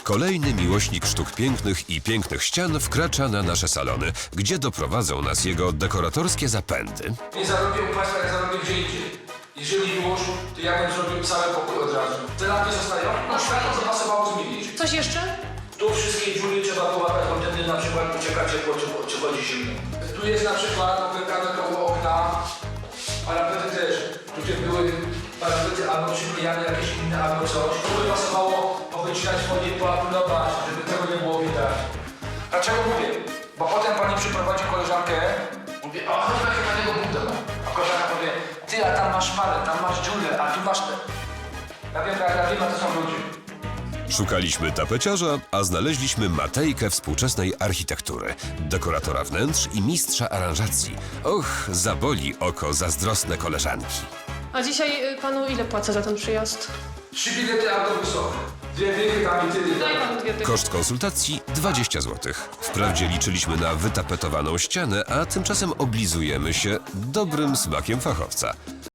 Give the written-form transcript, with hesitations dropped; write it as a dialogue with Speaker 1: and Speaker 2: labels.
Speaker 1: Kolejny miłośnik sztuk pięknych i pięknych ścian wkracza na nasze salony, gdzie doprowadzą nas jego dekoratorskie zapędy.
Speaker 2: Nie zarobię u Państwa, jak zarobię gdzie indziej. Jeżeli już, to ja bym zrobił cały pokój od razu. Te lampy zostają, no światło zapasowało zmienić.
Speaker 3: Coś jeszcze?
Speaker 2: Tu wszystkie dziury trzeba połapać, bo wtedy na przykład ucieka ciepło, czy chodzi zimno. Tu jest na przykład opękane koło okna, parapety też. Tutaj były parapety albo przyklejane jakieś inne, albo coś. Tu by pasowało powycinać folię, poapulować, żeby tego nie było widać. Dlaczego mówię? Bo potem pani przyprowadzi koleżankę, mówi, o, chodź na chyba tego budę. A koleżanka powie, ty, a tam masz szparę, tam masz dziurę, a tu masz te. Ja wiem, a to są ludzie.
Speaker 1: Szukaliśmy tapeciarza, a znaleźliśmy Matejkę współczesnej architektury, dekoratora wnętrz i mistrza aranżacji. Och, zaboli oko zazdrosne koleżanki.
Speaker 3: A dzisiaj panu ile płacę za ten przyjazd?
Speaker 2: 3 bilety autobusowe. 2 dychy tam i tyle.
Speaker 3: Daj panu 2 dychy.
Speaker 1: Koszt konsultacji 20 zł. Wprawdzie liczyliśmy na wytapetowaną ścianę, a tymczasem oblizujemy się dobrym smakiem fachowca.